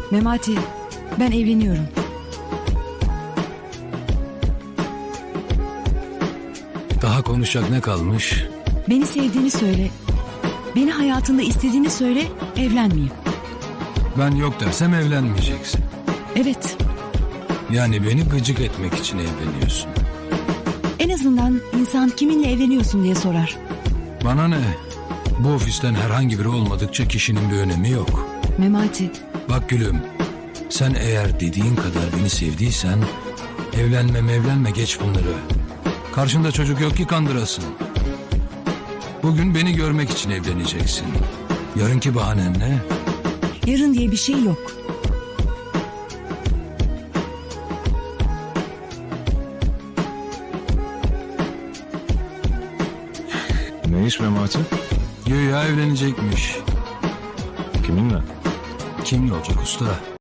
Memati, ben evleniyorum. Daha konuşacak ne kalmış? Beni sevdiğini söyle. Beni hayatında istediğini söyle, evlenmeyeyim. Ben yok dersem evlenmeyeceksin. Evet, Yani beni gıcık etmek için evleniyorsun. en azından insan kiminle evleniyorsun diye sorar. Bana ne? Bu ofisten herhangi biri olmadıkça kişinin bir önemi yok. Memati, Bak gülüm, sen eğer dediğin kadar beni sevdiysen evlenme geç bunları. Karşında çocuk yok ki kandırasın. Bugün beni görmek için evleneceksin. Yarınki bahanen ne? yarın diye bir şey yok. Ne iş Memati? Güya evlenecekmiş. Kiminle? Kimle olacak usta?